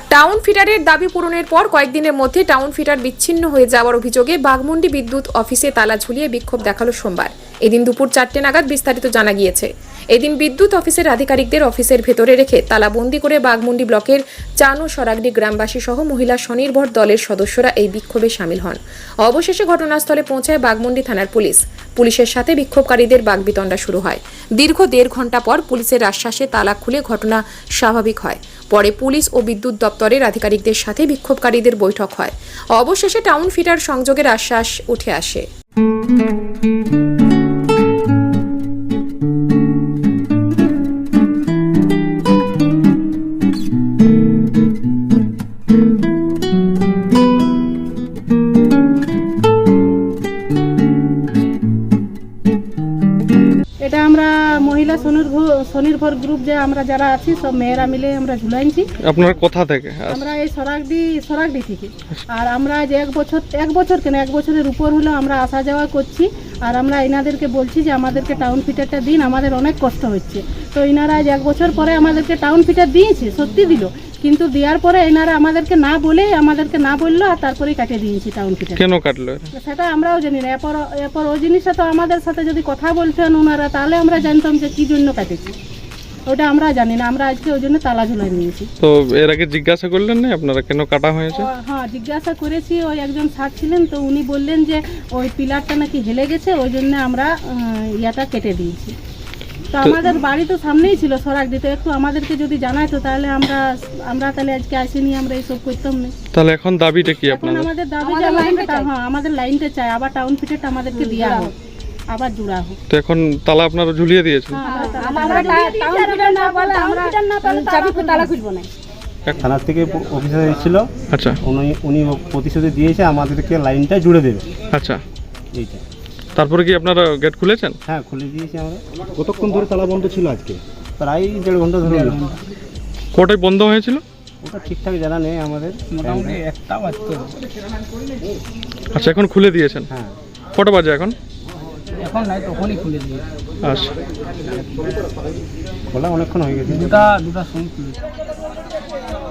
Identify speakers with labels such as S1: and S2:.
S1: Town ফিটারের দাবি পূরণের পর কয়েকদিনের মধ্যে টাউন ফিটার বিচ্ছিন্ন হয়ে যাওয়ার অভিযোগে বাঘমুন্ডি বিদ্যুৎ অফিসে তালা ঝুলিয়ে বিক্ষোভ দেখালো সোমবার। এদিন দুপুর 4টে নাগাদ বিস্তারিত জানা গিয়েছে। এদিন বিদ্যুৎ অফিসের আধিকারিকদের অফিসের ভেতরে রেখে তালাবন্দি করে বাঘমুন্ডি ব্লকের চান ও সরাগডি গ্রামবাসী সহ মহিলা স্বনির্ভর দলের সদস্যরা এই বিক্ষোভে সামিল হন। অবশেষে ঘটনাস্থলে পৌঁছায় বাঘমুন্ডি থানার পুলিশ। পুলিশের সাথে বিক্ষোভকারীদের বাগবিতণ্ডা শুরু হয়। দীর্ঘ 1.5 ঘন্টা পর পুলিশের আশ্বাসে তালা খুলে ঘটনা স্বাভাবিক হয়। পরে পুলিশ ও বিদ্যুৎ দপ্তরের আধিকারিকদের সাথে বিক্ষোভকারীদের বৈঠক হয়। অবশেষে টাউন ফিটার সংযোগের আশ্বাস উঠে আসে।
S2: এটা আমরা মহিলা স্বনির্ভর গ্রুপ যে আমরা যারা আছি সব মেয়েরা মিলে আমরা ঝুলাইছি।
S3: আপনার কোথা থেকে?
S2: আমরা এই সরাগডি থেকে। আর আমরা যে এক বছরের উপর হলো আমরা আসা যাওয়া করছি। আর আমরা এনাদেরকে বলছি যে আমাদেরকে টাউন ফিটারটা দিন, আমাদের অনেক কষ্ট হচ্ছে। তো এনারা আজ 1 বছর পরে আমাদেরকে টাউন ফিটার দিয়েছে, সত্যি দিল, কিন্তু দেওয়ার পরে এনারা আমাদেরকে না বললো আর তারপরেই কাটিয়ে দিয়েছি টাউন ফিটার।
S3: কেন কাটলো?
S2: সেটা আমরাও জানি না। এরপর ওই জিনিসটা তো আমাদের সাথে যদি কথা বলতেন ওনারা, তাহলে আমরা জানতাম যে কি জন্য কাটেছি। ওটা আমরা জানি না, আমরা আজকে ওই জন্য তালা ঝুলাই নিয়েছি।
S3: তো এর আগে জিজ্ঞাসা করলেন না আপনারা কেন কাটা হয়েছে?
S2: হ্যাঁ, জিজ্ঞাসা করেছি। ওই একজন স্যার ছিলেন, তো উনি বললেন যে ওই পিলারটা নাকি হেলে গেছে, ওই জন্য আমরা ইয়াটা কেটে দিয়েছি। তো আমাদের বাড়ি তো সামনেই ছিল সরাগডি, তো একটু আমাদেরকে যদি জানাইতো তাহলে আমরা তাহলে আজকে আসিনি, আমরা এইসব করতাম না।
S3: তাহলে এখন দাবিটা কি
S2: এখন
S3: আপনাদের?
S2: আমাদের দাবি যে আমাদের লাইনটা চাই, আবার টাউন ফিটারটা আমাদেরকে দেওয়া হোক, আবার জোড়া হোক।
S3: তো এখন তালা আপনারা ঝুলিয়ে দিয়েছেন?
S4: থানা থেকে অফিসার এসেছিল।
S3: আচ্ছা,
S4: উনি প্রতিশ্রুতি দিয়েছে আমাদেরকে লাইনটা জুড়ে দেবে।
S3: আচ্ছা,
S4: এইটা।
S3: তারপরে কি আপনারা গেট খুলেছেন?
S4: হ্যাঁ, খুলে দিয়েছি আমরা।
S5: কতক্ষণ ধরে তালা বন্ধ ছিল আজকে?
S4: প্রায় 1.5 ঘন্টা ধরে।
S3: কোটায় বন্ধ হয়েছিল?
S4: ওটা ঠিকঠাক জানা নেই আমাদের, মোটামুটি 1টা বাজতো।
S3: আচ্ছা, এখন খুলে দিয়েছেন?
S4: হ্যাঁ।
S3: কটা বাজে এখন?
S4: এখন নাই, তখনই খুলে দিয়েছি।
S3: আচ্ছা,
S4: খোলা অনেকক্ষণ হয়ে গেছে। দুটা সময় খুলেছি।